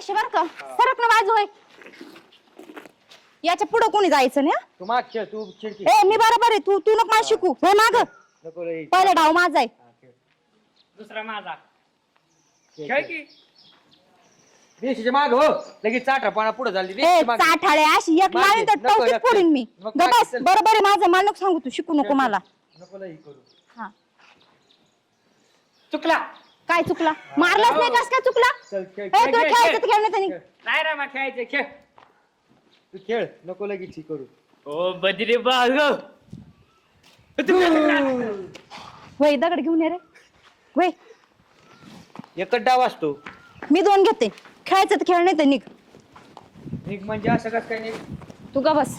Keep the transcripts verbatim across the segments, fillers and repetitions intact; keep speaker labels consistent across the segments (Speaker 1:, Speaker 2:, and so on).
Speaker 1: पैसे बर का सरक ना बाजू आहे याच्या पुढे कोणी जायचं नाही
Speaker 2: तू माग खेळ तू चिडकी
Speaker 1: ए मी बरोबर आहे तू तू नको मला शिकू हो माग
Speaker 2: नको रे
Speaker 1: पहिला डाव माझा आहे
Speaker 3: दुसरा माझा खेळ की
Speaker 2: देशीच्या माग हो लगेच चाटापणा पुढे झाली
Speaker 1: ए चाठाळे अशी एक
Speaker 2: मागे,
Speaker 1: माळी तर
Speaker 2: नको,
Speaker 1: टवकीत
Speaker 2: नको.
Speaker 1: फोडीन मी
Speaker 2: नको,
Speaker 1: ग बस
Speaker 2: चल.
Speaker 1: बरोबर आहे माझं मला नको सांगू तू शिकू नको मला
Speaker 2: नको लई करू
Speaker 1: हा
Speaker 3: चुकला
Speaker 1: काय चुकला मारलाच नाही कस काय चुकला
Speaker 2: चल खेळ
Speaker 1: ए
Speaker 3: खेळ,
Speaker 1: तुला
Speaker 3: खेळ,
Speaker 1: खेळायचं तर
Speaker 3: खेळ.
Speaker 1: खेळ नाही त्यांनी
Speaker 3: नाही रे मग खेळायचं खेळ
Speaker 2: तू खेळ नको लगेच ही करू
Speaker 3: ओ बजरी बाग
Speaker 1: वय दगड घेऊन ये रे वय
Speaker 2: एकच डाव असतो
Speaker 1: मी दोन घेते खेळायचं तर खेळ नाही तर निघ
Speaker 2: निघ म्हणजे असं कसं काय नाही
Speaker 1: तू का बस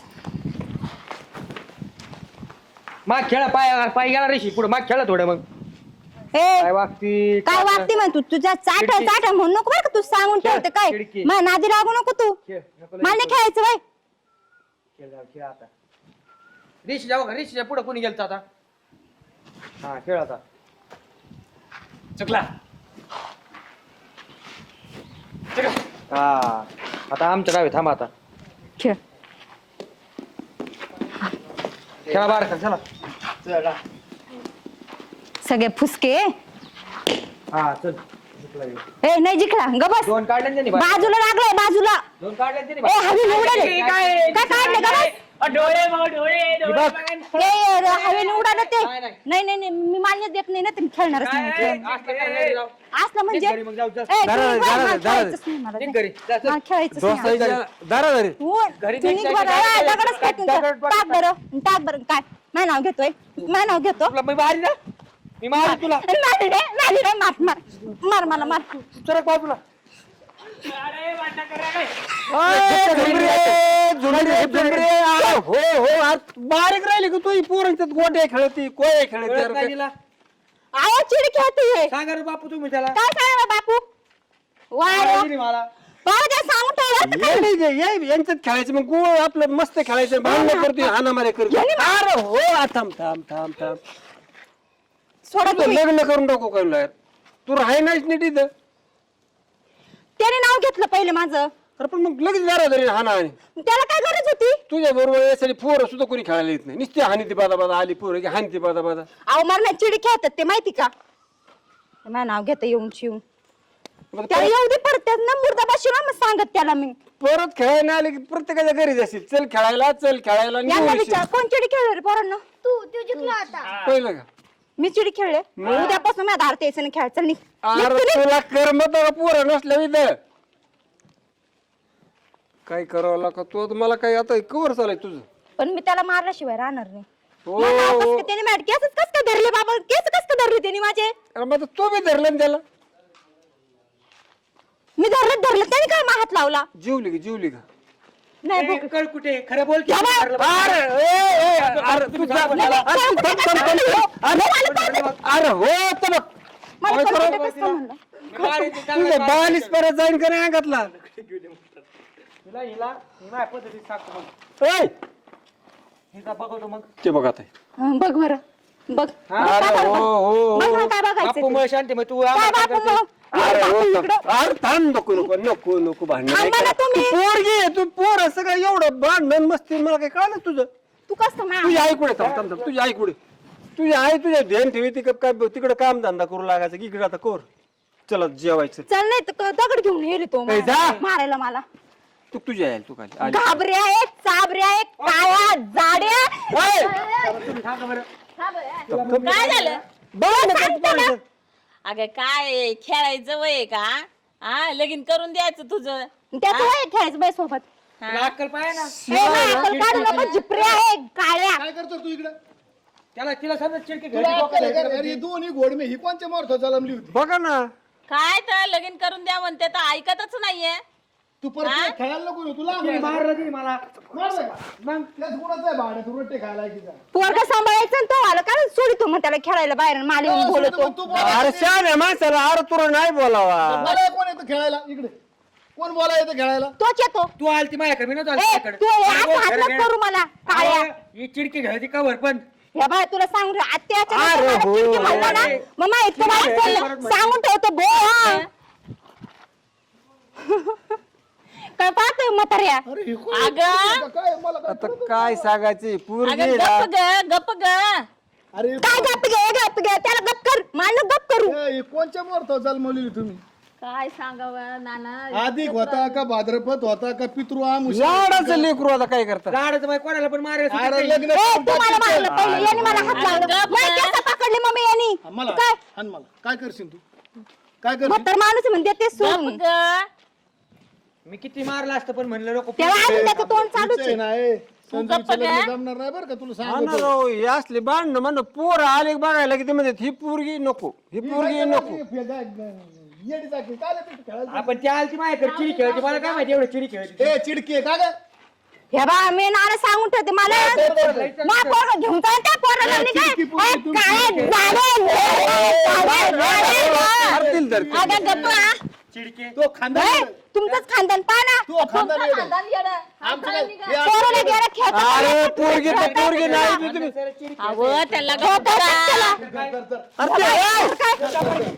Speaker 2: माग खेळा पाय पाय गेला रेशी पुढे माग खेळा थोडं मग
Speaker 1: ए
Speaker 2: काय वागती
Speaker 1: काय वागते मग तू तुझ्या चाट
Speaker 2: खिडकी.
Speaker 1: चाट म्हणून नको बरं का तू सांगून
Speaker 2: खेळ,
Speaker 1: ठेवते काय
Speaker 2: खिडकी.
Speaker 1: मग नादी लागू नको तू
Speaker 2: खेळ नको
Speaker 1: मला
Speaker 2: लगेच
Speaker 1: नाही खेळायचं बाय
Speaker 2: खेळ जाऊ खेळ आता रेशी जाऊ रेशीच्या पुढे कोणी गेलता आता हा खेळ आता
Speaker 3: चुकला चुकला
Speaker 2: हा आता आमच्या गावी थांबा आता
Speaker 1: खेळ
Speaker 2: खेळा बाहेर चला चला
Speaker 1: सगळे फुसके
Speaker 2: हा चल जिंकला ह्यो.
Speaker 1: ए नाही जिंकला ग बस
Speaker 2: दोन काढले ना त्यांनी बाहेर.
Speaker 1: बाजूला लागलाय बाजूला
Speaker 2: दोन काढले ना त्यांनी
Speaker 1: ए
Speaker 2: बाहेर.
Speaker 1: हवी उडाले
Speaker 3: काय
Speaker 1: काय काढले का बस
Speaker 3: अ, डोळे बघ, डोळे डोळे
Speaker 2: बघ.
Speaker 3: बघा.
Speaker 1: ए हवेने उडालं ते
Speaker 2: नाही, नाही.
Speaker 1: नाही नाही नाही मी मान्य देत नाही ना तुम्ही खेळणारच
Speaker 3: काय?
Speaker 1: नाही
Speaker 3: ए,
Speaker 1: खेळ.
Speaker 2: असलं काय नाही राव.
Speaker 1: असलं म्हणजे
Speaker 2: निघ घरी मग जाऊ, जा.
Speaker 1: ए, तू
Speaker 4: दारा,
Speaker 1: निघ बरं,
Speaker 4: दारा,
Speaker 1: मला
Speaker 4: दारा.
Speaker 1: खेळायचंच नाही मला.
Speaker 2: निघ घरी जा, चल.
Speaker 1: मला खेळायचंच नाही.
Speaker 4: दोस्ताच्या दारा दारी
Speaker 1: हो,
Speaker 2: घरी
Speaker 1: तू
Speaker 2: निघ,
Speaker 1: निघ
Speaker 2: जायचं,
Speaker 1: बरं.
Speaker 2: जायचं,
Speaker 1: ए,
Speaker 2: जायचं.
Speaker 1: दगडच फेकून
Speaker 2: दगड
Speaker 1: टाक.
Speaker 2: पड-
Speaker 1: टाक बरं टाक बरं काय माझं नाव घेतोय माझं नाव घेतो
Speaker 2: तुला मी मारी ना मी मारी तुला
Speaker 1: मारी रे मारी रे मार मार मार मला मार
Speaker 2: सरक बाजूला
Speaker 3: अरे वाटा करा काय
Speaker 4: हो हो आज बारीक राहिली का तू पोरांच्यात गोट्या खेळती कोय
Speaker 2: कळत नाही
Speaker 4: खेळते
Speaker 2: तिला.
Speaker 1: आवाज चिड खेळते
Speaker 2: सांगा रे बापू तुम्ही त्याला
Speaker 1: काय सांगा बापू वाय
Speaker 2: मारायची नाही मला
Speaker 1: बाबा काय सांगून ठेवलं
Speaker 4: यांच्यात खेळायचं मग गो आपलं मस्त खेळायचं भांडण करतोय हानामारे करतोय अरे हो आ, थांब थांब थांब थांब
Speaker 1: सोडा
Speaker 4: तुझं
Speaker 1: तुम्ही
Speaker 4: लग्न करून टाकू काय तू राहाय नाहीच नीट इथं
Speaker 1: त्याने नाव घेतलं पहिले माझं
Speaker 4: अरे पण मग लगेच दारा धरी हाना आणि
Speaker 1: त्याला काय गरज होती
Speaker 4: तुझ्या बरोबर यासाठी पोरं सुद्धा कोणी खेळायला येत नाही नुसते हानी ती बादा बादा आली पोरं की हानी ती बादा बादा
Speaker 1: अहो मला चिडी खेळतात ते माहिती का माझं नाव घेतं येऊन शिवून
Speaker 4: मग
Speaker 1: त्याला येऊ दे परत त्यात ना मुर्दा बसून मग सांगत त्याला मी
Speaker 4: परत खेळायला नाही आले की प्रत्येकाच्या घरी जाशील चल खेळायला चल खेळायला आणि
Speaker 1: यांना
Speaker 4: येऊ
Speaker 1: विचार
Speaker 4: येशील.
Speaker 1: कोण चिडी खेळले रे पोरांना तू तू जिंकला आता
Speaker 4: पहिलं का
Speaker 1: मी चिडी खेळले उद्यापासून मी धारते यायचं नाही खेळ चल निघ. निघ
Speaker 4: अरे
Speaker 1: तू निघ.
Speaker 4: तुला करमत का पोरं नसल्या इथं काय करावं लागा तू आता मला काय आता कवर चालाय तुझं
Speaker 1: पण मी त्याला मारल्याशिवाय राहणार नाही
Speaker 4: हो
Speaker 1: मला नाव कसं काय त्याने मॅट केसच कस काय धरले बाबा केस कस काय धरले त्याने माझे
Speaker 4: अरे मग आता तो बी धरला ना त्याला
Speaker 1: मी धरलं धरलं त्याने काय मा हात लावला
Speaker 4: जीवली का जीवली का
Speaker 1: नाही
Speaker 2: ए,
Speaker 1: बघ.
Speaker 2: कळ कुठे खरं बोल की.
Speaker 1: या बाय.
Speaker 2: ठरलं बा.
Speaker 4: अरे ए, ए, अरे तू जा-
Speaker 1: नाही, नाही,
Speaker 4: अरे तू थांब, थांब, थांब. अरे अरे हो तर बघ
Speaker 1: मला
Speaker 4: काय
Speaker 1: कळतं
Speaker 4: करावं?
Speaker 1: ते कसं म्हणलं
Speaker 2: मी मारीन ते
Speaker 4: तुझे
Speaker 2: चांगलं मारीन.
Speaker 4: बालीस परत जाईन का नाही अंगातला
Speaker 2: हिला हिला ही माझ्या पद्धतीत सांगतो मग
Speaker 4: ए,
Speaker 2: हिचा बघतो मग
Speaker 4: ते बघ आता
Speaker 1: हं, बघ बरं बघ
Speaker 4: अरे हो हो
Speaker 1: बघ
Speaker 4: हो
Speaker 1: मला काय बघायचं
Speaker 2: बापू
Speaker 1: ते.
Speaker 2: मग शांती मग तू
Speaker 1: काय
Speaker 2: आम्हाला काय
Speaker 1: बापू
Speaker 2: करते?
Speaker 1: मग?
Speaker 4: अरे
Speaker 1: बापू
Speaker 4: हो
Speaker 1: इकडं.
Speaker 4: अरे थांब नको नको नको नको भांडण
Speaker 1: थांबा
Speaker 4: नाही
Speaker 1: ना
Speaker 4: करा.
Speaker 1: तुम्ही.
Speaker 4: तू पोरगी आहे, तू पोर आहे, सगळं एवढं भांडण मस्ती मला काय कळलं तुझं
Speaker 1: तू कसं मा-
Speaker 4: तुझी आई कुठे थांब थांब थांब तुझी आई कुठे तुझी आई तुझ्या ध्यान ठेवी तिकडे काय तिकडे काम धंदा करू लागायचं की इकडे आता कोर चला जेवायचं
Speaker 1: चल नाही तर दगड घेऊन येईल तो
Speaker 4: ए, जा.
Speaker 1: मारायला मला
Speaker 4: तू तुझी आई तू काय आली.
Speaker 1: घाबऱ्या आहेत चाबऱ्या आहेत काळ्या जाड्या
Speaker 4: ओय!
Speaker 2: तुम्ही सांगा बरं
Speaker 5: काय झालं
Speaker 4: बरं ना, बरं, बरं.
Speaker 5: अगं काय खेळायचं वय का हा लगीन करून द्यायचं तुझं
Speaker 1: त्यात वय खेळायचं बाई सोबत
Speaker 2: तुला अक्कल पाहिजे ना
Speaker 1: ए, माझी अक्कल काढू नको जिपऱ्या आहे काळ्या
Speaker 6: काय करतो तू इकडे
Speaker 2: त्याला तिला समजा चिडकी घरी
Speaker 6: तुला
Speaker 2: डोकं
Speaker 6: अक्कल आहे का?
Speaker 2: द्यायचं.
Speaker 6: अरे दोन्ही घोडमे ही कोणच्या मार्थ जलमली होती
Speaker 4: बघा ना
Speaker 5: काय तर लगीन करून द्या म्हणते तर ऐकतच नाहीये
Speaker 6: तू परत
Speaker 5: हा?
Speaker 6: खेळायला नको येऊ, तुला
Speaker 2: तिने मारलं तिने मला
Speaker 6: मारलं का?
Speaker 2: मग
Speaker 6: त्याच गुणाचं आहे भाडं तू रोटे खायला की जा.
Speaker 1: पोरगा सांभाळायचं आणि तो आला काय सोडितो मग त्याला खेळायला बाहेर माले
Speaker 6: हो,
Speaker 1: बोलतो
Speaker 6: मग तू बोला.
Speaker 4: अरे शान आहे माणसाला अरे तुला नाही बोलावा
Speaker 6: बोलायला कोण येतं खेळायला इकडे कोण बोला येतं खेळायला
Speaker 1: तोच येतो
Speaker 2: तू आलती माझ्याकडे मी नव्हतो आलती
Speaker 1: ए
Speaker 2: माझ्याकडे.
Speaker 1: तू
Speaker 2: मला
Speaker 1: असं
Speaker 2: बोल,
Speaker 1: हात
Speaker 2: घरी
Speaker 1: नको
Speaker 2: घे.
Speaker 1: करू मला काळ्या
Speaker 2: अहो, ही चिडकी घ्यायची कवर पण
Speaker 1: या बाय तुला सांगू आत्याच्या
Speaker 4: अरे
Speaker 1: नंतर मला
Speaker 4: हो.
Speaker 1: चिडकी म्हणला ना मग माहित
Speaker 2: ठीक आहे,
Speaker 1: तुम्हाला
Speaker 2: परत
Speaker 1: सांगून ठेवतो बो हा. काय पाहतोय म्हाताऱ्या?
Speaker 6: अरे हे कोण?
Speaker 5: अगं.
Speaker 6: काय मला काय
Speaker 4: आता काय सांगायचे पूर्वी
Speaker 5: अगं गप ग गप ग
Speaker 6: अरे
Speaker 1: काय गप घे गप घे त्याला गप कर मला गप करू.
Speaker 6: ए, हे कोणच्या मुहूर्तावर जन्मलेली तुम्ही?
Speaker 5: काय सांगावं नाना.
Speaker 6: अधिक होता का भाद्रपद होता का पितृ आमुष?
Speaker 4: लाडाचं लेकरू आता काय करता
Speaker 2: गाडचं बाई कोणाला पण मारायला
Speaker 6: अरे
Speaker 2: सुचत
Speaker 6: लग्न
Speaker 1: ए,
Speaker 6: करून
Speaker 1: तू मला
Speaker 6: टाकायचं.
Speaker 1: मारलं पहिले याने मला हात लावला.
Speaker 5: गप
Speaker 1: नाही
Speaker 5: ना.
Speaker 1: केस पकडले मम्मी यांनी.
Speaker 6: हा, मला
Speaker 1: काय
Speaker 6: हाण मला काय करशील तू? काय करशील?
Speaker 1: म्हातार माणूस म्हणते ते
Speaker 5: गप
Speaker 1: सोडून
Speaker 5: ग.
Speaker 2: मी किती मारला असतं पण म्हणलं नको
Speaker 1: तेव्हा अजून त्याचं तोंड चालूच
Speaker 6: आहे
Speaker 1: आहे.
Speaker 6: ना ए, संजूचं
Speaker 5: गप्प
Speaker 6: लग्न
Speaker 5: काय?
Speaker 6: जमणार नाही बरं का तुला
Speaker 4: हा ना
Speaker 6: सांगतो.
Speaker 4: राव, हे असले भांडणं म्हणणं पोर आले बघायला की ते म्हणतात ही पोरगी नको ही पोरगी नको.
Speaker 6: येडी चाकरी, काय आलं तिथे खेळायला?
Speaker 2: आपण त्या आलती माझ्याकडे चिडी खेळते मला काय माहिती एवढं चिडी खेळते
Speaker 6: ए चिडकी आहे का ग?
Speaker 1: हे बा मी नाना सांगून ठेवते मला मा पोरं घेऊन जा त्या पोराला मी काय
Speaker 6: चिडकी पोरगी
Speaker 1: ए,
Speaker 6: तुम्ही.
Speaker 1: काय झालं? झालं, झालं.
Speaker 4: करतील तर ते.
Speaker 1: अगं गप्प हा.
Speaker 2: चिडके
Speaker 6: तो खानदान
Speaker 1: ए, तुमचंच खानदान पहा ना.
Speaker 6: तो खानदान येडं.
Speaker 5: खानदान येडं.
Speaker 6: आमचं काय? हे
Speaker 1: पोराला गेलं खेळता
Speaker 4: अरे पोरगी तर पोरगी नाही ती तुम्ही.
Speaker 2: चिडी
Speaker 5: अहो त्याला गप करा.
Speaker 6: कर, कर.
Speaker 4: अरे ते, ए!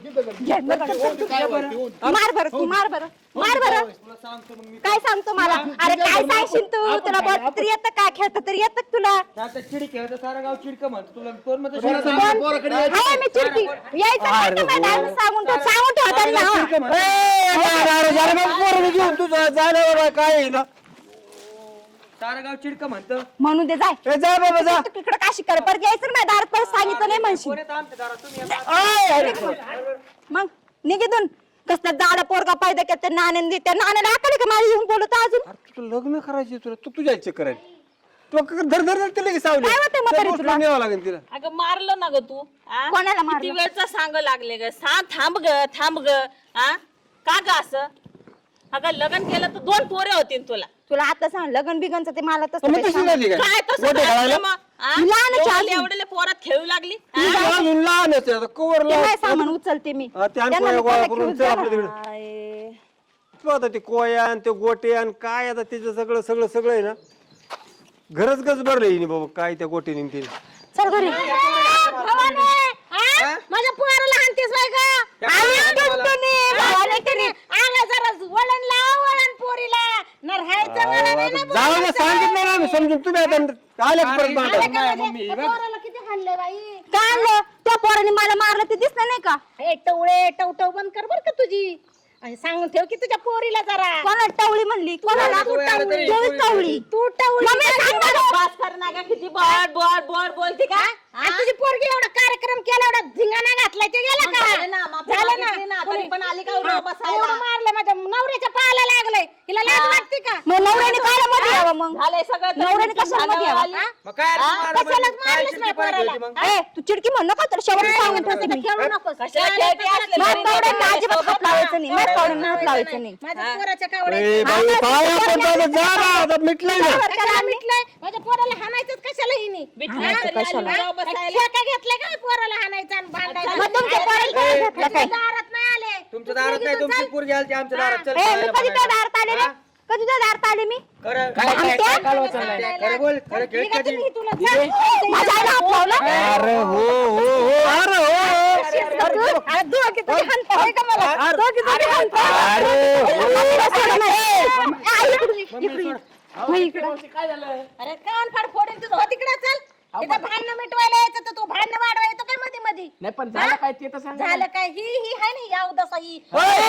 Speaker 1: मार बरं तू मार बरं मार बरं काय सांगतो मला अरे काय सांगशील तू तुला बघ तरी येतं काय खेळतं तरी येतं का तुला
Speaker 2: आता चिडी खेळत सारा गाव चिडकं म्हणतो तुला कोण म्हणतो
Speaker 6: पोरं
Speaker 2: चिडकं?
Speaker 6: सांग, पोराकडे यायचं.
Speaker 1: हाय मी चिडकी यायचं नाही का माझ्या दारात सांगून ठेव सांगून ठेव त्यांना हो.
Speaker 4: ए, अरे, अरे, अरे, मग पोरगी घेऊन तुझं झालं बाबा काय आहे ना.
Speaker 2: सारा गाव चिडकं म्हणतं
Speaker 1: म्हणून दे जाय
Speaker 4: ए, जा बाबा जा.
Speaker 1: तिकडे काशी कर परत यायचं ना माझ्या दारात परत सांगितलं नाही म्हणशील
Speaker 2: कोण येतं आमच्या दारात तुम्ही येता.
Speaker 1: मग निघितून कसलं जाडा पोरगा पाहिजे का त्या नाण्याने त्या नाण्याला आकडे का मला येऊन बोलत अजून
Speaker 4: अरे तुला लग्न करायचे तुला तू तुझ्या इच्छा करायची तू धर धर धर तिला की सावली
Speaker 1: काय होतंय म्हातारी
Speaker 4: त्या
Speaker 1: तुला?
Speaker 4: गोष्टीला न्यावं लागेल तिला.
Speaker 5: अगं मारलं ना ग तू आ?
Speaker 1: कोणाला
Speaker 5: किती
Speaker 1: मारलं?
Speaker 5: वेळचा सांग लागले ग सांग थांब ग थांब ग हा का ग असं अगं लग्न केलं तर दोन पोरे होतील तुला
Speaker 1: तुला आता सांग लग्न बिगनचं ते मला तसं
Speaker 4: मग
Speaker 1: काही
Speaker 4: तशी
Speaker 1: सांग.
Speaker 4: झाली काय
Speaker 5: काय तसं
Speaker 4: गोटे
Speaker 5: घातलं
Speaker 4: खेळायला?
Speaker 5: मग, आ?
Speaker 1: लहानच आहे
Speaker 5: एवढे-
Speaker 1: अजून.
Speaker 5: एवढेले पोरात खेळू लागली
Speaker 4: तू अजून लहानच आहे आता कवर
Speaker 1: ते काय
Speaker 4: लाव.
Speaker 1: सामान उचलते मी
Speaker 4: हा, ते आण
Speaker 1: त्यांना
Speaker 4: कोया
Speaker 1: मी
Speaker 4: गोळा
Speaker 1: त्याला
Speaker 4: करून
Speaker 1: घेऊन
Speaker 4: चल
Speaker 1: जाणार.
Speaker 4: आपल्या तिकडे.
Speaker 5: आय.
Speaker 4: तू आता ते कोया आणि ते गोटे आणि काय आता त्याचं सगळं सगळं सगळं आहे ना घरच गच भरलं हिने बाबा काय त्या गोटीने आणि तिने.
Speaker 1: चल घरी माझ्या पोराला हाणतेस बाय का आम्ही टुनटुनी, भावाने टुनी. आला जरा वळण लाव वळण पोरीला न राहायचं मला नाही ना
Speaker 4: जाऊ दे, सांगितलं ना आम्ही समजून तुम्ही आता आले का परत भांडण?
Speaker 1: पोराला किती हाणलंय बाई काय आणलं त्या पोराने मला मारलं ते दिसलं नाही का
Speaker 7: ए टवळे टवटव बंद कर बर का तुझी आणि सांगून ठेव की तुझ्या पोरीला जरा
Speaker 1: कोणाला टवळी म्हणली कोणाला
Speaker 2: तू टवळी,
Speaker 1: टवळी
Speaker 2: टवळी.
Speaker 1: टवळी
Speaker 7: तू टवळी
Speaker 1: मम्मी सांग ना गं.
Speaker 5: पास कर ना ग किती बॉड बॉड बॉड बोलते का
Speaker 7: आणि तुझी पोरगी एवढा कार्यक्रम केला एवढा धिंगाणा घातलाय ते गेला का
Speaker 5: झालं ना, माफी
Speaker 7: झालं
Speaker 5: मागितली ना,
Speaker 7: ना
Speaker 5: तरी पण आली का उभं
Speaker 7: हा,
Speaker 5: बसायला?
Speaker 7: एवढं मारलं माझ्या नवऱ्याच्या पायाला लागलंय हिला लाज वाटते का
Speaker 1: मग नवऱ्याने काय मध्ये यावं मग
Speaker 5: झालंय सगळं
Speaker 1: नवऱ्याने कशाला मध्ये यावं?
Speaker 5: आली.
Speaker 2: मग काय रे,
Speaker 7: हा?
Speaker 2: मारा
Speaker 7: कशालाच
Speaker 2: म्हणजे? काय
Speaker 7: मारलंच
Speaker 2: चिडकी
Speaker 7: नाही
Speaker 2: पाहिजे
Speaker 7: पोराला.
Speaker 2: होती मग?
Speaker 1: ए तू चिडकी म्हण नका तर शेवटी सांगून ठेवते मी
Speaker 7: खेळू नकोस
Speaker 5: कशाला खेळते असले
Speaker 1: माझ्या
Speaker 5: घरी
Speaker 1: पावड्यांना
Speaker 5: नाही
Speaker 1: अजिबात हात लावायचं नाही माझ्या पावड्यांना हात लावायचं नाही
Speaker 7: माझ्या पोराच्या कावड्या
Speaker 4: ए बाई काय आपण आता जा ना आता मिटलंय ना
Speaker 7: कशाला मिटलंय माझ्या पोराला हाणायचंच कशाला हिने
Speaker 5: बिटलं तरी आली गाव बसायला.
Speaker 7: ठेका घेतलाय का पोराला हाणायचं आणि भांडायचं
Speaker 1: मग तुमच्या पोराला काय घेतलं काय
Speaker 7: दारात नाही आले
Speaker 2: तुमच्या दारात नाही तुमची पोरगी आलती आमच्या दारात चल
Speaker 1: ए मी
Speaker 2: खेळायला
Speaker 1: कधी त्या
Speaker 2: बघायला.
Speaker 1: दारात आले रे कधी त्या दारात आले मी
Speaker 2: खरं
Speaker 1: काय- काय- काय
Speaker 2: कालवा चाललाय? खरं बोल खरं खेळ
Speaker 7: निघा
Speaker 2: कधी
Speaker 7: तुम्ही तुला
Speaker 1: माझ्या आईला हात लावला
Speaker 4: अरे हो हो हो अरे हो
Speaker 1: अरे दोघी तरी हाणताय का मला?
Speaker 4: अरे-
Speaker 1: दोघी तरी हाणताय.
Speaker 4: अरे हो.
Speaker 1: मम्मीला सोडा नाही. ए, आई, इकडे ये, इकडे ये. हो, इकडे.
Speaker 7: अरे कान फाड फोडेल तुझं हो तिकडे चल तिथं भांडणं मिटवायला यायचं तर तू भांडणं वाढवायला येतो काय मध्ये मध्ये
Speaker 3: नाही पण झालं काय ते तर सांग
Speaker 7: झालं काय ही ही आहे ना या उदासा ही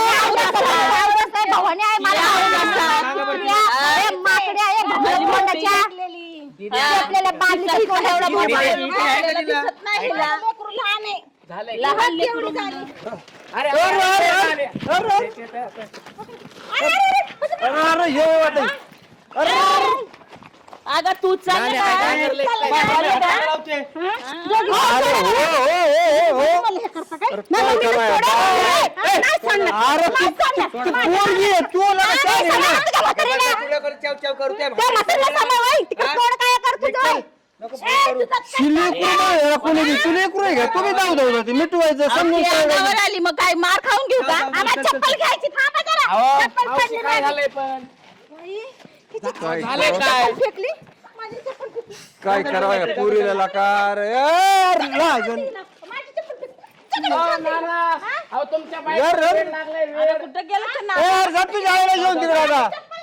Speaker 1: भवानी आहे मला आवडत. ए, माकड्या, ए, भवानी तोंडाच्या.
Speaker 7: लागलेली.
Speaker 1: आपल्याला बादलीचं तोंड एवढं मोठं.
Speaker 5: राहिलेलं दिसत नाही हिला.
Speaker 7: माझं लेकरू लहान आहे
Speaker 3: झालंय
Speaker 5: लहान
Speaker 7: केवढी
Speaker 5: लेकरू
Speaker 7: झाली
Speaker 3: अरे
Speaker 4: अरे, अरे, अरे, अरे, अरे, अरे, हे वाटलं.
Speaker 5: अगं तू चल
Speaker 2: नाही,
Speaker 5: ना.
Speaker 2: काय करलंय?
Speaker 5: चल ना.
Speaker 2: काय
Speaker 5: झालं का?
Speaker 2: लावते?
Speaker 4: अरे हो हो हो हो हो अरे काय करायचं?
Speaker 1: ए, नाही सोडणार.
Speaker 4: अरे ती ती पोरगी आहे, तू लगा काय आहे ना?
Speaker 1: तुझ्या म्हातारीला.
Speaker 2: तुझ्याकडे चाव चाव करू त्या
Speaker 1: त्या म्हातारीला सांभाळ, ओय, तिकडे तोंड काय करतो तू?
Speaker 2: नको फोन करू.
Speaker 4: शिलेकरू नाही आहे, कोणी बी शिलेकरू आहे का? तुम्ही जाऊ जाऊ ते मिटवायचं समजून
Speaker 5: आपली
Speaker 4: सांगायचं.
Speaker 5: अंगावर आली मग काय मार खाऊन घेऊ का
Speaker 1: आम्हाला चप्पल घ्यायची थांबा जरा.
Speaker 3: अहो,
Speaker 1: चप्पल
Speaker 3: मावशी
Speaker 1: पडली
Speaker 3: काय
Speaker 1: माझी.
Speaker 3: झालंय पण
Speaker 4: काय
Speaker 3: झालंय काय
Speaker 1: फेकली माझी चप्पल फेकली.
Speaker 4: काय करावं या पोरीला लकार यार लाजन.
Speaker 7: माझी चप्पल फेकली.
Speaker 3: अहो, नाना, अहो तुमच्या
Speaker 4: यार,
Speaker 3: बाईक
Speaker 4: यार.
Speaker 3: लागलाय वेळ.
Speaker 5: कुठं गेलं तर ना
Speaker 4: यार जा तुझ्या आईला घेऊन तिकडे आता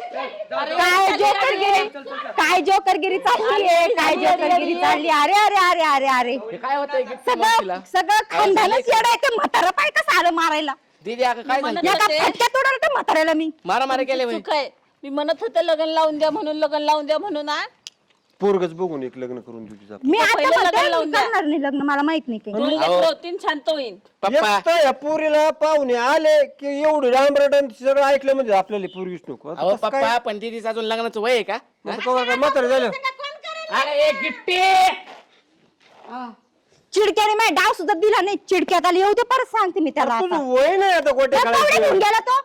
Speaker 1: काय जोकरगिरी काय जोकरगिरी चाललीये काय जोकरगिरी चालली अरे अरे अरे अरे अरे
Speaker 3: हे काय होतंय गिफ्ट
Speaker 1: सगळं सगळं खानदानच येडा आहे. ते म्हातारा पाय कसं आलं मारायला
Speaker 3: दीदी अगं काय झालं
Speaker 5: म्हणत
Speaker 1: एका
Speaker 5: होते,
Speaker 1: फटक्यात उडवलं त्या म्हाताऱ्याला मी
Speaker 3: मारा मारा केले
Speaker 5: चूक आहे. मी म्हणत होते लग्न लावून द्या म्हणून लग्न लावून द्या म्हणून आ.
Speaker 4: पोरगच बघून एक लग्न करून देऊ तिचा
Speaker 1: मी आता
Speaker 5: पहिलं
Speaker 1: म्हणते,
Speaker 5: लग्न लावून
Speaker 1: मी
Speaker 5: द्या.
Speaker 1: करणार नाही लग्न मला माहित नाही काही
Speaker 5: दोन लेकरं होतीन शांत होईन.
Speaker 3: पप्पा
Speaker 4: एकटा या पोरीला पाहुणे आले की एवढी रामरटन सगळं ऐकलं म्हणजे आपल्याला पोरगीच नको आता
Speaker 3: अहो
Speaker 4: कसं काय?
Speaker 3: पप्पा पण दीदीचं अजून लग्नाचं वय आहे का
Speaker 4: आता कवा काय म्हातारं झालं
Speaker 3: अरे एक गिफ्टी
Speaker 1: चिडक्याने माझ्या डाव सुद्धा दिला नाही चिडक्यात आली येऊ दे परत सांगते मी त्याला
Speaker 4: तुझं
Speaker 1: आता.
Speaker 4: वय नाही आता गोट्या
Speaker 1: त्या पावड्या घेऊन
Speaker 4: काढायचं
Speaker 1: गेला तो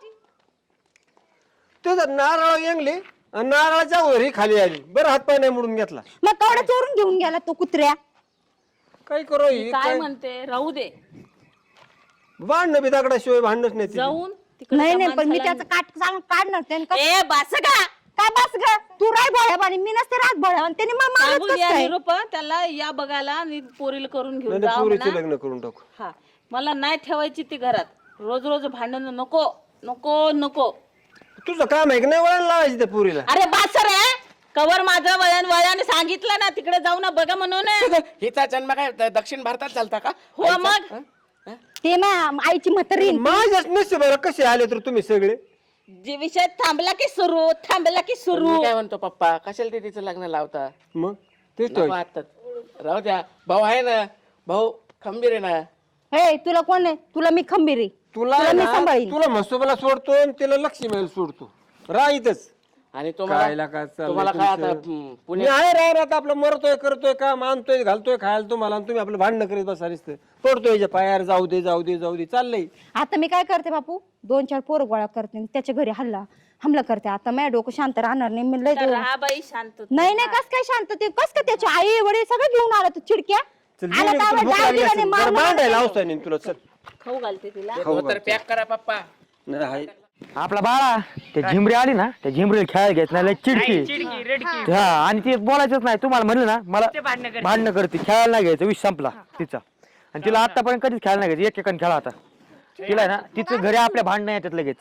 Speaker 4: तुझं नारळ येंगली आणि नारळाच्या वरी खाली आली बरं हातपाय नाही मोडून घेतला
Speaker 1: मग कवडा चोरून घेऊन गेला तो कुत्र्या
Speaker 4: काय करू ही?
Speaker 5: काय
Speaker 4: काय
Speaker 5: म्हणते राहू दे
Speaker 4: भांडणं बी दगडाशिवाय भांडणच नाही तिची.
Speaker 5: जाऊन तिकडे
Speaker 1: नाही
Speaker 5: त्या
Speaker 1: नाही पण मी
Speaker 5: माणसाला-
Speaker 1: त्याचं काट सांग काढणार त्याने कसं-
Speaker 5: ए बास का
Speaker 1: काय बस ग तू राय भोळ्याबानी मी नसते रात भोळ्याबानी त्याने मग मारत
Speaker 5: सांगून
Speaker 1: कसं
Speaker 5: या
Speaker 1: काय?
Speaker 5: निरोप त्याला या बघायला आणि पोरीला करून घेऊन
Speaker 4: नाही
Speaker 5: जा
Speaker 4: नाही, पोरीचे
Speaker 5: म्हणा.
Speaker 4: लग्न करून टाकू
Speaker 5: हा मला नाही ठेवायची ती घरात रोज रोज भांडण नको नको नको.
Speaker 4: तुझं काम आहे की नाही वळण लावायची त्या पोरीला
Speaker 5: अरे बास रे कवर माझं वळण वळण सांगितलं ना तिकडे जाऊ ना बघा म्हणून
Speaker 3: हिचा जन्म काय द- दक्षिण भारतात झालता का
Speaker 5: हो मग
Speaker 1: ते ना आईची म्हातारी
Speaker 4: माझ्याच नसते बरं कसे आले तर तुम्ही सगळे
Speaker 5: जे विषय थांबला की सुरू थांबला की
Speaker 3: पण
Speaker 5: सुरू.
Speaker 3: मी काय म्हणतो पप्पा कशाला दीदीचं लग्न लावता
Speaker 4: मग तेच
Speaker 3: नको
Speaker 4: तर
Speaker 3: आता. राहू द्या भाऊ आहे ना भाऊ खंबीर आहे ना
Speaker 1: हे तुला कोण आहे तुला मी खंबीर आहे
Speaker 4: तुला
Speaker 1: तुला मी
Speaker 4: ना,
Speaker 1: सांभाळीन.
Speaker 4: तुला म्हसोबाला सोडतो आणि तिला लक्ष्मीला सोडतो राहीतच
Speaker 3: आणि
Speaker 4: कायला
Speaker 3: तुम्हाला
Speaker 4: काय चाललंय
Speaker 3: तुम्हाला काय आता
Speaker 4: तुमचं?
Speaker 3: हम्म,
Speaker 4: मी
Speaker 3: पुणे
Speaker 4: आहे राह आता आपलं मरतोय करतोय काम आणतोय घालतोय खायला तुम्हाला आणि तुम्ही आपलं भांडणं करीत बसा नुसतं पडतोय याच्या पायावर जाऊ दे जाऊ दे जाऊ दे चाललंय
Speaker 1: आता मी काय करते बापू दोन चार पोरं गोळा करते आणि त्याच्या घरी हल्ला हमला करते आता माझ्या डोकं शांत राहणार नाही मी लय
Speaker 5: तर राहा बाई शांत.
Speaker 1: नाही नाही कस काय शांत ते कस काय त्याची आई वडील सगळं घेऊन आला तू चिडक्या
Speaker 4: चल
Speaker 1: आला
Speaker 4: जेवण
Speaker 1: तर
Speaker 4: तुला
Speaker 1: आवाज
Speaker 4: भूक
Speaker 1: डाव
Speaker 4: लागली
Speaker 1: दिला
Speaker 4: असेल.
Speaker 1: आणि मार
Speaker 4: जरा
Speaker 1: मार
Speaker 4: भांडायला
Speaker 1: केलं.
Speaker 4: अवसर नाही तुला चल
Speaker 5: खाऊ घालते तिला.
Speaker 3: हो तर पॅक करा पप्पा
Speaker 4: नाही हाय.
Speaker 8: आपला बाळा ते झिमरी आली ना त्या झिमरीला खेळायला घेत नाही लय चिडकी हा आणि ते बोलायचंच नाही तुम्हाला म्हणलं ना मला भांडणं करते खेळायला नाही घ्यायचं विष संपला तिचा आणि तिला आतापर्यंत कधीच खेळायला नाही घ्यायचं एक एकाने खेळा आता तिला ना तिचं घरी आपल्या भांडणं येतात लगेच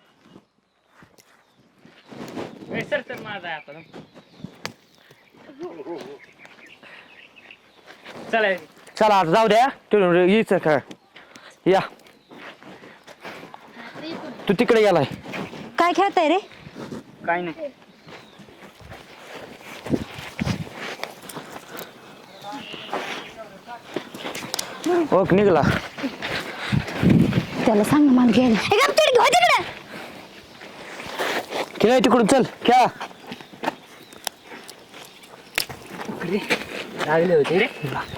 Speaker 8: चला आता जाऊ द्या यायचं खेळ या तू तिकडे गेलाय
Speaker 1: काय खेळताय रे
Speaker 8: काय नाही ओक निघला
Speaker 1: त्याला सांग ना मला घ्यायला ए, गप चिडकी, हो तिकडं.
Speaker 8: खेळ तिकडून चल खेळा लागले होते रे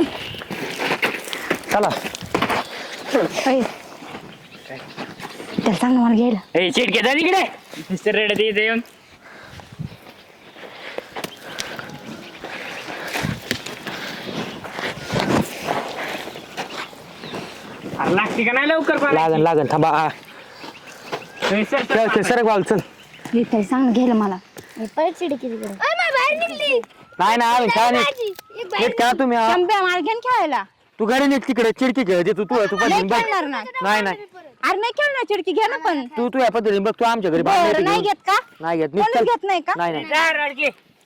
Speaker 8: चला
Speaker 1: ए, त्याला सांग ना मला घ्यायला
Speaker 8: ए चिडके जा तिकडे रेड दे येऊन लागते का नाही लवकर लागन लागन थांबा हा. खेळ खेळ सरक बाल चल
Speaker 1: हे त्याला सांग ना घ्यायला मला
Speaker 8: नाही ना अजून खेळा नाही नीट खेळा तुम्ही हा.
Speaker 1: शंभ्या मला घेऊन खेळायला
Speaker 8: तू घरी नीट तिकडे चिडकी खेळ तू तू तू
Speaker 1: नाही
Speaker 8: पद्धतीने बघ
Speaker 1: खेळणार ना
Speaker 8: नाही नाही
Speaker 1: अरे नाही खेळणार चिडकी घे ना पण
Speaker 8: तू तू या पद्धतीने बघ तू आमच्या घरी बाहेर
Speaker 1: बरं,
Speaker 8: येते
Speaker 1: नाही
Speaker 8: घेऊन.
Speaker 1: घेत का
Speaker 8: नाही घेत नीट
Speaker 1: कोणीच
Speaker 8: चल
Speaker 1: घेत नाही का
Speaker 8: नाही नाही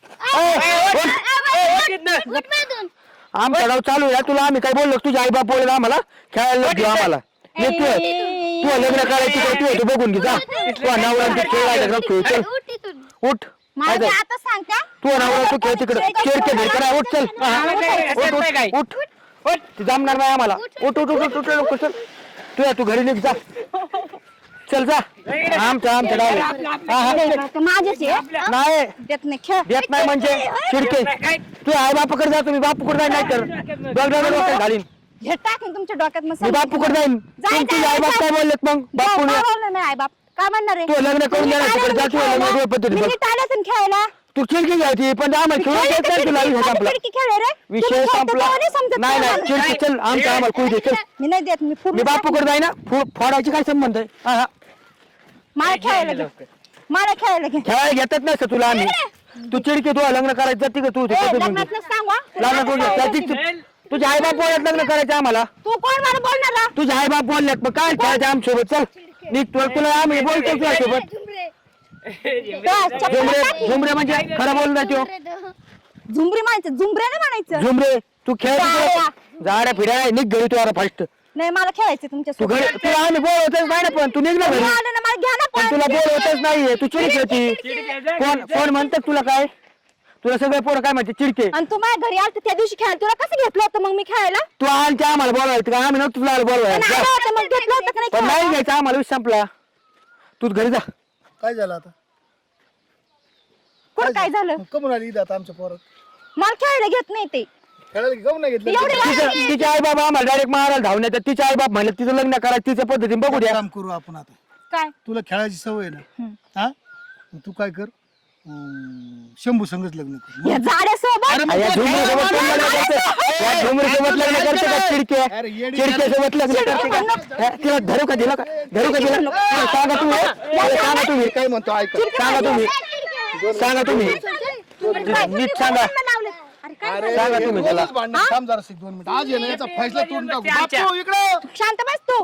Speaker 8: आमचा डाव चालू आहे तुला आम्ही काय बोललो तुझ्या आई बाप बोलले आम्हाला खेळायला घेऊ आम्हाला नीट तू तू लग्न करायची तिकडे तू तू बघून घे जा तू नवरा खेळ राहिला खेळ चल उठ
Speaker 1: मला ते आता सांग का
Speaker 8: तू नवरा तू खेळ तिकडे खेळ खेळ करा उठ चल उठ उठ उठ उठ ती जमणार नाही आम्हाला उठ उठ उठ उठ उठ चल तू या तू घरी निघ जा चल जा आमच्या आमच्या डाव
Speaker 1: माझेच आहे
Speaker 8: नाही
Speaker 1: देत नाही खेळ
Speaker 8: देत नाही म्हणजे चिडके तू आई बापाकडे जा तुम्ही बापूकडे जाईन नाही तर डोक्यात घालीन
Speaker 1: हे टाकेन तुमच्या डोक्यात मग
Speaker 8: मी बापूकडे जाईन
Speaker 1: जाय,
Speaker 8: तुमचे
Speaker 1: जाय,
Speaker 8: आई बाप
Speaker 1: जाय.
Speaker 8: काय बोललेत मग बापू
Speaker 1: काय बोलणार नाही आई बाप काय म्हणणार आहे
Speaker 8: तू लग्न करून देणार तिकडे जा तू लग्न करून पद्धतीने बघ.
Speaker 1: आल्यास खेळायला
Speaker 8: तू चिडकी घ्यायची पण आम्हाला खेळू
Speaker 1: खेळ
Speaker 8: देत नाही तुला विषय संपला
Speaker 1: चिडकी खेळ आहे रे
Speaker 8: विषय
Speaker 1: तुम्ही खेळता
Speaker 8: संपला
Speaker 1: तेव्हा नाही समजत
Speaker 8: नाही नाही
Speaker 1: तुम्हाला.
Speaker 8: चिडकी चल आमच्या आम्हाला कुठे दे चल
Speaker 1: मी नाही देत मी पूर्ण
Speaker 8: मी बापूकडे जाईन ना फो- फोडायची काय संबंध आहे हा, हा.
Speaker 1: मला खेळायला घे मला खेळायला घे
Speaker 8: खेळायला घेतच नसतं तुला आम्ही तू चिडकी तू लग्न करायचं जाती का तू
Speaker 1: ए, लग्नातलं सांग हा.
Speaker 8: लग्न करून घे. जाती- तुझे आई बाप बोलत लग्न करायचं आम्हाला
Speaker 1: तू कोण मला बोलणार हा?
Speaker 8: तुझे आई बाप बोललेत मग काय खेळायचं आमच्यासोबत चल नीट तुला तुला आम्ही बोलतो तुझ्यासोबत झुमरे झुमरे म्हणजे खरं बोल ना त्यो
Speaker 1: झुमरी म्हणायचं झुमरे नाही म्हणायचं
Speaker 8: झुमरे तू खेळ
Speaker 1: जाड्या.
Speaker 8: जाड्या फिराय निघ घरी तू आता फर्स्ट
Speaker 1: नाही मला खेळायचं तुमच्या
Speaker 8: तू घरी तुला आम्ही बोलवतच नाही ना पण तू निघ ना घरी
Speaker 1: आलं ना मला घ्या ना
Speaker 8: पण
Speaker 1: पण
Speaker 8: तुला बोलवतच नाहीये तू चिडकी होती कोण कोण म्हणतात तुला काय तुला सगळे पोरं काय म्हणते चिडके
Speaker 1: आणि तू माझ्या घरी आलत त्या दिवशी खेळायला तुला कसं घेतलं होतं मग मी खेळायला
Speaker 8: तू आलते आम्हाला बोलवायचं का आम्ही नव्हतं तुला
Speaker 1: पण
Speaker 8: बोलवायचं
Speaker 1: आलं होतं मग घेतलं होतं का नाही
Speaker 8: पण नाही
Speaker 1: खेळायला?
Speaker 8: घ्यायचं आम्हाला विषय संपला तू घरी जा
Speaker 6: काय झालं आता
Speaker 1: कुठं काय झालं
Speaker 6: मग कमून आली इथं आता आमच्या पोरात
Speaker 1: मला खेळायला घेत नाही ते
Speaker 6: खेळायला की गम नाही घेतलं
Speaker 1: एवढे
Speaker 8: तिचं तिचे आई बाबा आम्हाला डायरेक्ट मारायला धावून येतात तिचे आई बाप म्हणलं तिचं लग्न करायचं तिच्या पद्धतीने बघू द्या
Speaker 6: काम करू आपण आता
Speaker 1: काय
Speaker 6: तुला खेळायची सवय आहे ना हा मग तू काय कर अं, शंभू संगच लग्न कर
Speaker 1: या जाड्यासोबत
Speaker 8: या झुमरीसोबत कोण लग्न करते? या झुमरीसोबत लग्न करते का चिडके
Speaker 6: अरे येडी
Speaker 8: चिडकेसोबत लग्न करते का हा, तिला धरू का दिला का धरू का दिला तिला सांगा तुम्ही तिला सांगा तुम्ही
Speaker 6: काय म्हणतो ऐक
Speaker 8: सांगा तुम्ही सांगा तुम्ही नीट सांगा
Speaker 1: अरे काय
Speaker 8: सांगा तुम्ही त्याला
Speaker 6: रोजच भांडण थांब जरा दोन मिनिट आज ये ना याचा फैसला तोडून टाकू बापू इकडे
Speaker 1: शांत बस तू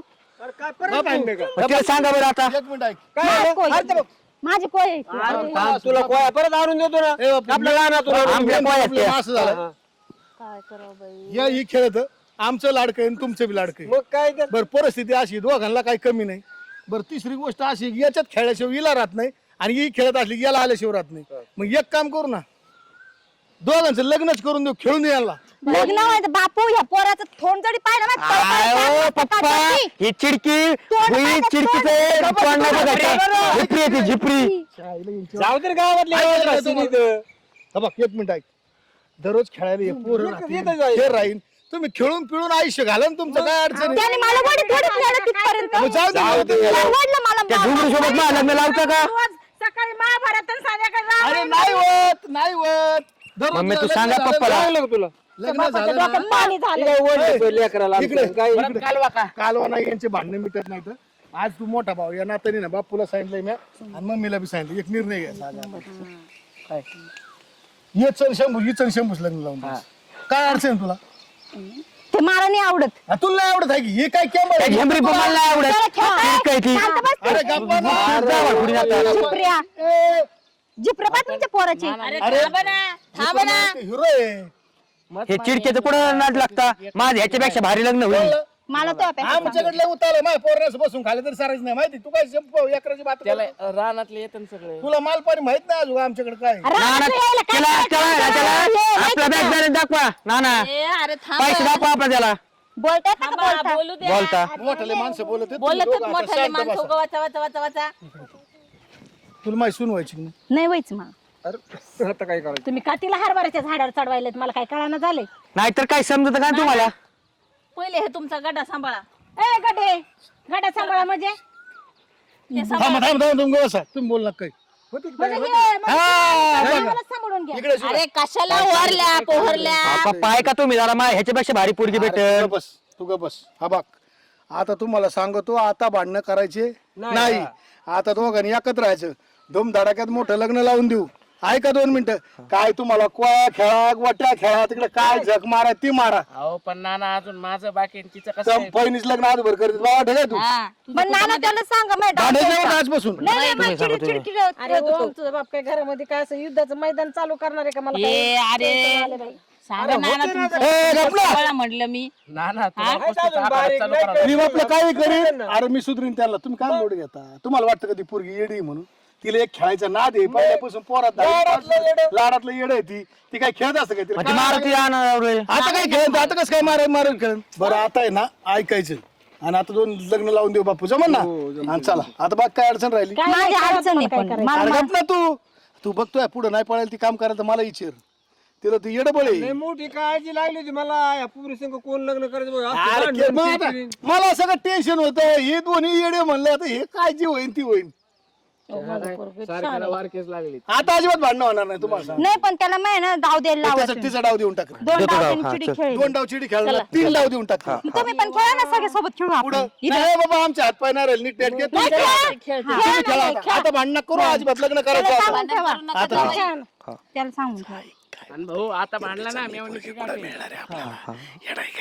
Speaker 8: मग तिला सांगा बरं आता
Speaker 6: एक मिनिट ऐक
Speaker 1: माझी कोय. माझी कोय
Speaker 4: तुला कोया परत आणून देतो ना
Speaker 6: ए बापू,
Speaker 4: आपल्या लहानात तुला
Speaker 8: आमच्या पोयात
Speaker 6: आपलं
Speaker 8: त्या.
Speaker 6: असं झालं
Speaker 1: काय करावं बाई
Speaker 6: या ही खेळत आमचं लाडकं आहे आणि तुमचं बी लाडकं आहे.
Speaker 4: मग काय ते
Speaker 6: बरं परिस्थिती अशी दोघांना काही कमी नाही बरं तिसरी गोष्ट अशी की याच्यात खेळल्याशिवाय हिला राहत नाही आणि ही खेळत असली की याला आल्याशिवाय राहत नाही मग एक काम करू ना दोघांचं लग्नच करून देऊ खेळून यायला
Speaker 1: लग्न व्हायचं बापू ह्या पोराचं थोंड जरी पाहिलं ना
Speaker 8: आयो पप्पा ही चिडकी ही चिडकीचं तोंड नाही बघायचं झिपरी आहे ती झिपरी
Speaker 4: जाऊ दे रे गावातले
Speaker 6: ऐक ना
Speaker 4: रस्त्याने
Speaker 6: तुम्हाला.
Speaker 4: इथं.
Speaker 6: हा बघ एक मिनिट ऐक दररोज खेळायला ये पोरं राहतील, खेळ राहील तुम्ही खेळून पिळून आयुष्य घाला ना तुमचं काय अडचण आहे?
Speaker 1: त्याने मला वडी थोडी खेळलं तिथपर्यंत
Speaker 6: मग जाऊ दे, जाऊ दे.
Speaker 1: त्याला वडलं मला
Speaker 8: त्या झुमरी सोबत मला लग्न लावतं का
Speaker 1: रोज सकाळी महाभारत आणि संध्याकाळी
Speaker 6: अरे नाही होत नाही होत दररोज
Speaker 8: मम्मी, तू
Speaker 6: लग्न
Speaker 8: सांगा
Speaker 6: झालं
Speaker 8: पप्पाला.
Speaker 6: ना,
Speaker 4: लागलं का तुला
Speaker 6: लग्न
Speaker 1: बापाच्या
Speaker 6: झालं ना,
Speaker 1: डोक्यात पाणी झालं
Speaker 4: काय ओढलं तो लेकराला
Speaker 6: इकडे
Speaker 4: आमच्या. काय
Speaker 6: इकडे. कालवा नाही यांचे भांडणं मिटत नाही तर आज तू मोठा भाऊ या नात्याने ना बापूला सांगितलंय मी आणि मम्मीला बी सांगितलं एक निर्णय घ्यायचा आज आपण. काय ये चल शंभू ही चल शंभूच लग्न लावून टाक. काय अडचण आहे तुला
Speaker 1: ते मला नाही आवडत
Speaker 6: आ, तुला नाही आवडत आहे की हे काय कॅमेरा
Speaker 8: त्या झेंबरी पण मला नाही आवडत
Speaker 1: त्याला खेळता
Speaker 8: चिडकी आहे ती
Speaker 1: शांत बस तू.
Speaker 6: अरे गप्पा ना.
Speaker 8: जावा पुढे आता.
Speaker 1: जिप्रिया
Speaker 6: ए,
Speaker 1: जिप्रिया बा तुमच्या पोराची
Speaker 5: अरे थांब ना थांब ना
Speaker 6: हिरो आहे
Speaker 8: हे चिडकेचं कुठं नाद लागता माझं ह्याच्यापेक्षा भारी लग्न होईल
Speaker 1: मला तो अपेक्षा
Speaker 6: आमच्याकडे उतारलं माझ्या पोरण्यास बसून खाले तरी सारायचं नाही माहिती तू काय शंभू एकराची बात करतो?
Speaker 3: रानातले येतात सगळे
Speaker 6: तुला माल पाणी माहित नाही अजून आमच्याकडे काय आहे.
Speaker 8: ना ना त्याला त्याला त्याला आपला बॅग बॅलन्स दाखवा ना ना
Speaker 5: ए, अरे थांब
Speaker 8: पैसे दाखवा आपला त्याला
Speaker 1: बोलतात का
Speaker 5: थांबा,
Speaker 1: बोलता
Speaker 5: बोलू दे
Speaker 8: बोलता
Speaker 6: मोठाले माणसं बोलत आहेत, तुम्ही
Speaker 5: बोलत
Speaker 6: दोघं आता
Speaker 5: मोठाले
Speaker 6: शांत
Speaker 5: माणसं
Speaker 6: बसा.
Speaker 5: उगा वाचा वाचा वाचा वाचा
Speaker 6: तुला माहिती सुन व्हायची की नाही?
Speaker 1: नाही व्हायचं मग
Speaker 4: अरे आता काय करायचं
Speaker 1: तुम्ही काठीला हरभऱ्याच्या झाडावर चढवायलेत मला काय कळाना झाले
Speaker 8: नाहीतर काय समजत का तुम्हाला
Speaker 5: पहिले हे तुमचा गड्डा सांभाळा
Speaker 1: ए गडे गडा सांभाळा म्हणजे
Speaker 5: ते सांभाळा.
Speaker 6: थांबा थांबा थांबा तुम्ही बसा तुम्ही बोल ना काही
Speaker 1: म्हणजे हे, म्हणजे आम्हाला सांभाळून घ्या
Speaker 6: इकडे सुद्धा.
Speaker 5: अरे कशाला ओरल्या पोहरल्या
Speaker 8: पप्पा ऐका तुम्ही जरा मा ह्याच्यापेक्षा भारी पोरगी
Speaker 6: अरे,
Speaker 8: भेटेल
Speaker 6: तू ग बस तू ग बस हा बघ आता तुम्हाला सांगतो आता भांडणं करायचे नाही आता दोघांनी एकत्र राहायचं धूमधडाक्यात मोठं लग्न लावून देऊ ऐका दोन मिनिटं काय तुम्हाला कोया खेळा वाट्या खेळा तिकडे काय झक मारा ती मारा
Speaker 3: अहो पण नाना अजून माझं बाकी आहे, तिचं कसं आहे?
Speaker 6: पहिलीच लग्न आजभर करत बाबा ठेका तू
Speaker 5: हा
Speaker 1: पण नाना त्याला सांगा मॅडम
Speaker 6: भांडायचं आजपासून
Speaker 1: नाही नाही मला चिड- चिड- चिड-
Speaker 7: अरे ओम तुझं बाप काय घरामध्ये काय असं युद्धाचं मैदान चालू करणार आहे का मला काय
Speaker 5: ए अरे सांगा नाना तुमचं
Speaker 6: ए, गपला.
Speaker 5: सांभाळा म्हटलं मी
Speaker 3: नाना तुला पस्तीस आभारात चालू करा.
Speaker 6: मी आपलं काही करीन अरे मी सुधरीन त्याला तुम्ही काय मोड घेता तुम्हाला वाटतं का ती पोरगी येडी आहे म्हणून तिला एक खेळायचा नाद आहे पहिल्यापासून पोरात लाडातलं येड आहे ती ती काय खेळत असतं काय तिला
Speaker 8: म्हणजे मारुती जाणार रे.
Speaker 6: आता काय खेळत आता कसं काय मारा मारून खेळ बरं आता आहे ना ऐकायचं आणि आता दोन लग्न लावून देऊ बापू जमन ना आणि चला आता बघ काय अडचण राहिली
Speaker 1: माझी अडचण आहे पण मला
Speaker 6: अरे गप ना तू तू बघतोय पुढे नाही पळायला ती काम करायला तर मला विचार तिला ती येडबळ आहे
Speaker 4: लय मोठी काळजी लागली होती मला या पुरी संग कोण लग्न करायचं बघ. असं
Speaker 6: अरे
Speaker 4: भांडण,
Speaker 6: खेळ मग आता
Speaker 4: किरकिरी.
Speaker 6: मला सगळं टेन्शन होतं हे दोन्ही येडे म्हणलं आता हे काय जी होईन ती होईन
Speaker 3: सारख्याला वारकेस लागली
Speaker 6: आता अजिबात भांडणं होणार नाही तुम्हाला सांग
Speaker 1: नाही पण त्याला माहिती ना डाव द्यायला लावायचं
Speaker 6: त्याचा तिचा डाव देऊन टाक
Speaker 1: दोन डाव त्यांनी चिडी खेळली
Speaker 6: दोन डाव चिडी खेळला तीन डाव देऊन टाक
Speaker 1: तुम्ही पण खेळा ना सगळ्या सोबत खेळू आपण
Speaker 6: पुढं नाही बाबा आमच्या हात पाय नाही राहील नीट नेटके तुम्ही खेळा. तुम्ही खेळा आता. आता भांडणं करू अजिबात लग्न करायचं
Speaker 1: त्याला
Speaker 6: आता.
Speaker 1: सांगून ठेवा
Speaker 6: आता
Speaker 1: त्याला सांगून ठेवा
Speaker 3: आणि भाऊ आता भांडला ना मेवणीची गाठी.
Speaker 6: येडा आहे काय तू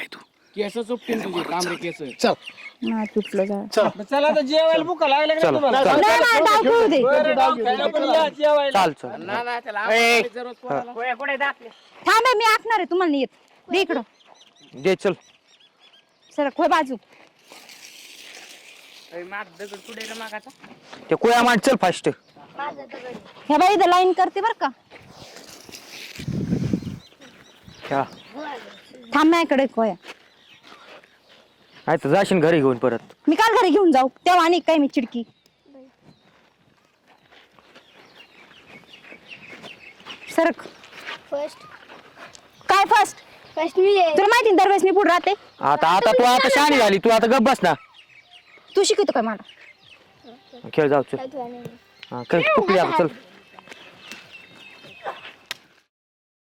Speaker 3: केस सुटतील तुझे तांबडे केस.
Speaker 6: चल
Speaker 1: नाही तुटलं जा.
Speaker 6: चल
Speaker 4: चला आता जेवायला भुका लागल्या का
Speaker 8: चला,
Speaker 4: तुम्हाला?
Speaker 8: चला.
Speaker 1: नाही नाही डाव खेळू दे.
Speaker 4: बरं, डाव खेळला पण या जेवायला.
Speaker 8: चाल चल
Speaker 3: ना ना त्याला आंबाडीचं रोज पोराला.
Speaker 1: थांब हे, मी आखणार आहे तुम्हाला नाही येत. दे इकडं
Speaker 8: दे चल.
Speaker 1: सर खोय बाजू.
Speaker 3: अरे, माग दगड कुठे रे मागाचा?
Speaker 8: ते कोया मांड चल फास्ट.
Speaker 1: ह्या बाई इथं लाईन करते बर का.
Speaker 8: हा
Speaker 1: थांब माझ्याकडे खोया.
Speaker 8: नाही तर जाशील घरी घेऊन परत.
Speaker 1: मी काल घरी घेऊन जाऊ तेव्हा आणि काय मी चिडकी. सरक.
Speaker 9: फर्स्ट
Speaker 1: काय फर्स्ट
Speaker 9: फर्स्ट मी आहे.
Speaker 1: तुला माहिती ना दरवेळेस मी पुढे राहते.
Speaker 8: आता आता तू आता शहाणी झाली तू आता गप बस ना.
Speaker 1: तू शिकवतो काय मला.
Speaker 8: खेळ जाऊ चल.
Speaker 9: काय तू आणि मी.
Speaker 8: हा खेळ कुठली आता चल.